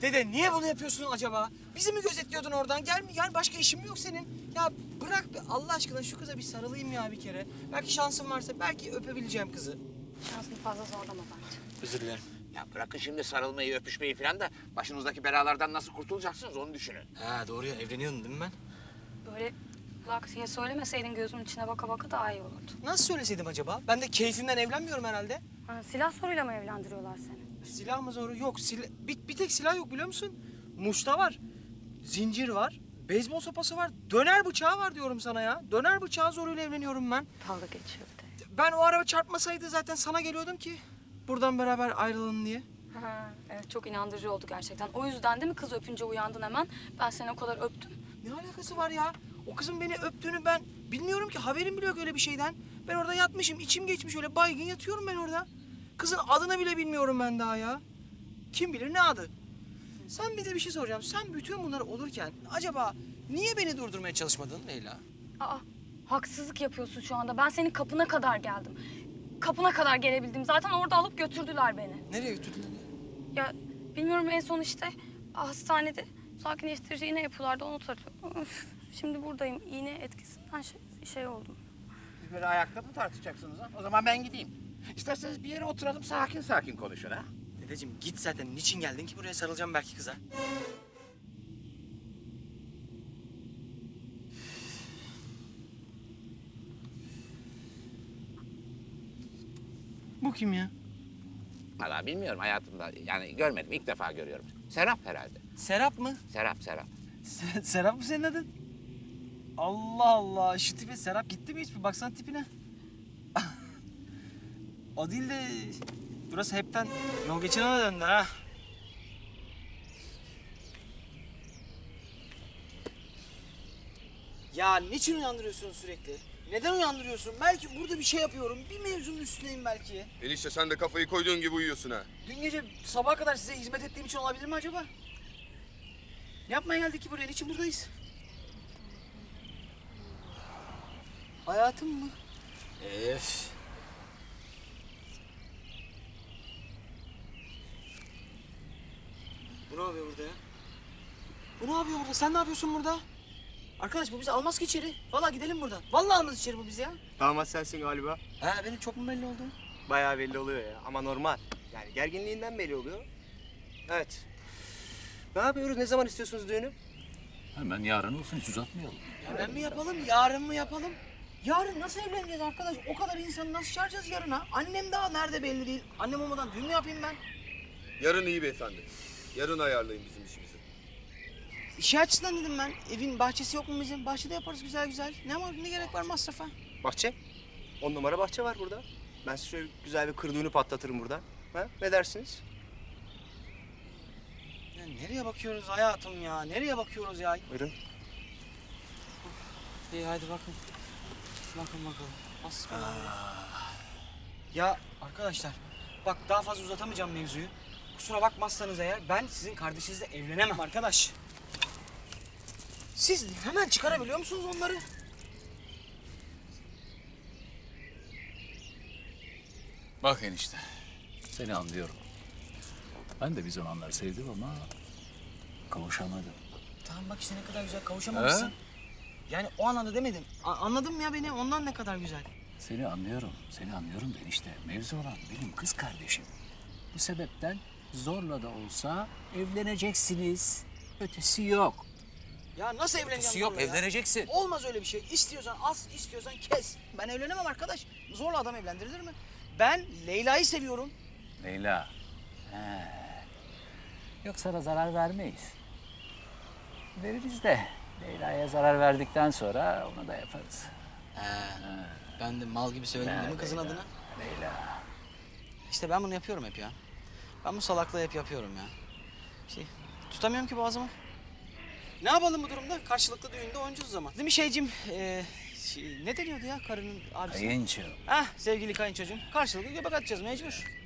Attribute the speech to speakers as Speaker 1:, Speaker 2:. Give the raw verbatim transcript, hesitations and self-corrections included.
Speaker 1: Dede niye bunu yapıyorsun acaba? Bizi mi gözetliyordun oradan? Gel mi? Yani başka işin mi yok senin? Ya bırak be Allah aşkına şu kıza bir sarılayım ya bir kere. Belki şansım varsa belki öpebileceğim kızı.
Speaker 2: Şansını fazla zorlama bence.
Speaker 1: Özür dilerim.
Speaker 3: Ya bırakın şimdi sarılmayı, öpüşmeyi falan da başınızdaki belalardan nasıl kurtulacaksınız onu düşünün.
Speaker 1: Ha doğru ya evleniyordun değil mi ben?
Speaker 2: Böyle lak diye söylemeseydin gözümün içine baka baka daha iyi olurdu.
Speaker 1: Nasıl söyleseydim acaba? Ben de keyfimden evlenmiyorum herhalde.
Speaker 2: Ha, silah soruyla mı evlendiriyorlar seni?
Speaker 1: Silah mı zoru? Yok. Sila... Bir, bir tek silah yok biliyor musun? Muşta var. Zincir var. Beyzbol sopası var. Döner bıçağı var diyorum sana ya. Döner bıçağı zoruyla evleniyorum ben.
Speaker 2: Dalga geçiyor bir de.
Speaker 1: Ben o araba çarpmasaydı zaten sana geliyordum ki. Buradan beraber ayrılalım diye.
Speaker 2: Ha, evet çok inandırıcı oldu gerçekten. O yüzden değil mi kız öpünce uyandın hemen? Ben seni o kadar öptüm.
Speaker 1: Ne alakası var ya? O kızın beni öptüğünü ben bilmiyorum ki. Haberim bile yok öyle bir şeyden. Ben orada yatmışım. İçim geçmiş öyle baygın yatıyorum ben orada. Kızın adını bile bilmiyorum ben daha ya. Kim bilir ne adı? Sen bir de bir şey soracağım. Sen bütün bunlar olurken acaba niye beni durdurmaya çalışmadın Leyla?
Speaker 2: Aa, haksızlık yapıyorsun şu anda. Ben senin kapına kadar geldim. Kapına kadar gelebildim. Zaten orada alıp götürdüler beni.
Speaker 1: Nereye götürdün ya?
Speaker 2: Ya bilmiyorum en son işte hastanede sakinleştirici iğne yapıyorlardı onu tarıyor. Öf, şimdi buradayım. İğne etkisinden şey, şey oldum.
Speaker 3: Siz böyle ayakta mı tartışacaksınız ha? O zaman ben gideyim. İsterseniz bir yere oturalım sakin sakin konuşun ha.
Speaker 1: Dedeciğim git zaten. Niçin geldin ki buraya sarılacağım belki kıza? Bu kim ya?
Speaker 3: Valla bilmiyorum hayatımda yani görmedim ilk defa görüyorum. Serap herhalde.
Speaker 1: Serap mı?
Speaker 3: Serap Serap.
Speaker 1: Se- Serap mı senin adın? Allah Allah. Şu tipe Serap gitti mi hiç? Bir baksana tipine. O değil de burası hepten yol geçene döndü ha. Ya niçin uyandırıyorsun sürekli? Neden uyandırıyorsun? Belki burada bir şey yapıyorum. Bir mevzunun üstüneyim belki.
Speaker 4: Enişte sen de kafayı koyduğun gibi uyuyorsun ha.
Speaker 1: Dün gece sabaha kadar size hizmet ettiğim için olabilir mi acaba? Ne yapmaya geldik ki buraya? Niçin buradayız? Hayatım mı? Ef. Bu ne yapıyor burada ya? Bu ne yapıyor burada? Sen ne yapıyorsun burada? Arkadaş bu bizi almaz ki içeri. Vallahi gidelim buradan. Vallahi almaz içeri bu bizi ya.
Speaker 5: Damat sensin galiba.
Speaker 1: Ha benim çok mu belli oldu?
Speaker 5: Bayağı belli oluyor ya ama normal. Yani gerginliğinden belli oluyor. Evet. Ne yapıyoruz? Ne zaman istiyorsunuz düğünü?
Speaker 6: Hemen yarın olsun, hiç uzatmayalım.
Speaker 1: Hemen mi yapalım? Yarın mı yapalım? Yarın nasıl evleneceğiz arkadaş? O kadar insanı nasıl çağıracağız yarına? Annem daha nerede belli değil. Annem olmadan düğün mü yapayım ben?
Speaker 4: Yarın iyi beyefendi. Yarın ayarlayın bizim işimizi.
Speaker 1: İşi açısından dedim ben. Evin bahçesi yok mu bizim? Bahçede yaparız güzel güzel. Ne var? Ne gerek var masrafa?
Speaker 5: Bahçe. On numara bahçe var burada. Ben size şöyle güzel bir kır düğünü patlatırım burada. Ha? Ne dersiniz?
Speaker 1: Ya nereye bakıyoruz hayatım ya? Nereye bakıyoruz ya?
Speaker 5: Buyurun.
Speaker 1: İyi hadi bakın. Bakın bakalım. Hasbinallah. Ya arkadaşlar bak daha fazla uzatamayacağım mevzuyu. Kusura bakmazsanız eğer ben sizin kardeşinizle evlenemem arkadaş. Siz hemen çıkarabiliyor musunuz onları?
Speaker 6: Bak enişte, seni anlıyorum. Ben de bir zamanlar sevdim ama kavuşamadım.
Speaker 1: Tamam bak işte ne kadar güzel kavuşamamışsın.
Speaker 6: He?
Speaker 1: Yani o anlamda demedim. A- anladın mı ya beni? Ondan ne kadar güzel.
Speaker 6: Seni anlıyorum, seni anlıyorum da enişte. Mevzu olan benim kız kardeşim. Bu sebepten zorla da olsa evleneceksiniz. Ötesi yok.
Speaker 1: Ya nasıl evleneceğim
Speaker 6: Ötesi yok,
Speaker 1: zorla ya?
Speaker 6: evleneceksin.
Speaker 1: Olmaz öyle bir şey. İstiyorsan as, istiyorsan kes. Ben evlenemem arkadaş. Zorla adam evlendirilir mi? Ben Leyla'yı seviyorum.
Speaker 6: Leyla. He. Yok sana zarar vermeyiz. Veririz de Leyla'ya zarar verdikten sonra onu da yaparız.
Speaker 1: Ben de mal gibi söyledim değil mi kızın
Speaker 6: Leyla,
Speaker 1: adına?
Speaker 6: Leyla.
Speaker 1: İşte ben bunu yapıyorum hep ya. Ben bu salaklığı hep yapıyorum ya. Şey, tutamıyorum ki boğazımı. Ne yapalım bu durumda? Karşılıklı düğünde oynayacağız o zaman. Değil mi şeycim? Ee, şey, ne deniyordu ya karının abisi?
Speaker 6: Kayınço.
Speaker 1: Hah sevgili kayınçocuğum. Karşılıklı göbek atacağız mecbur.